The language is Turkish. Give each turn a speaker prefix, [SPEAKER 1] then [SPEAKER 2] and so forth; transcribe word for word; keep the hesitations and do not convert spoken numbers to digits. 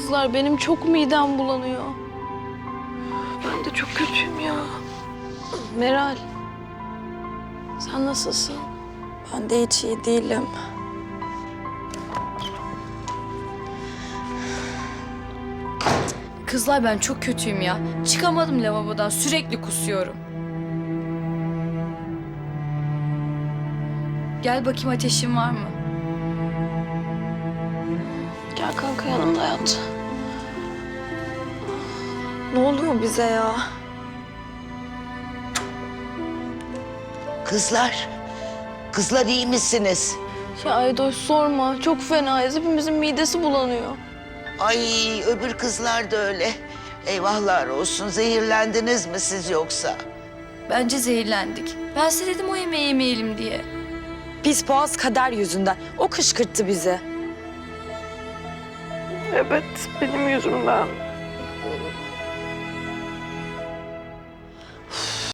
[SPEAKER 1] kızlar, benim çok midem bulanıyor. Ben de çok kötüyüm ya. Meral, sen nasılsın?
[SPEAKER 2] Ben de hiç iyi değilim.
[SPEAKER 3] Kızlar ben çok kötüyüm ya. Çıkamadım lavabodan, sürekli kusuyorum. Gel bakayım, ateşin var mı?
[SPEAKER 1] Gel kanka, yanımda yat.
[SPEAKER 2] Ne oluyor bize ya?
[SPEAKER 4] Kızlar, kızlar iyi misiniz?
[SPEAKER 1] Ya Aydoş sorma, çok fenayız. Hepimizin midesi bulanıyor.
[SPEAKER 4] Ay öbür kızlar da öyle. Eyvahlar olsun. Zehirlendiniz mi siz yoksa?
[SPEAKER 3] Bence zehirlendik. Ben size dedim o yemeği yemeyelim diye.
[SPEAKER 2] Pis boğaz Kader yüzünden. O kışkırttı bizi.
[SPEAKER 1] Evet, benim yüzümden.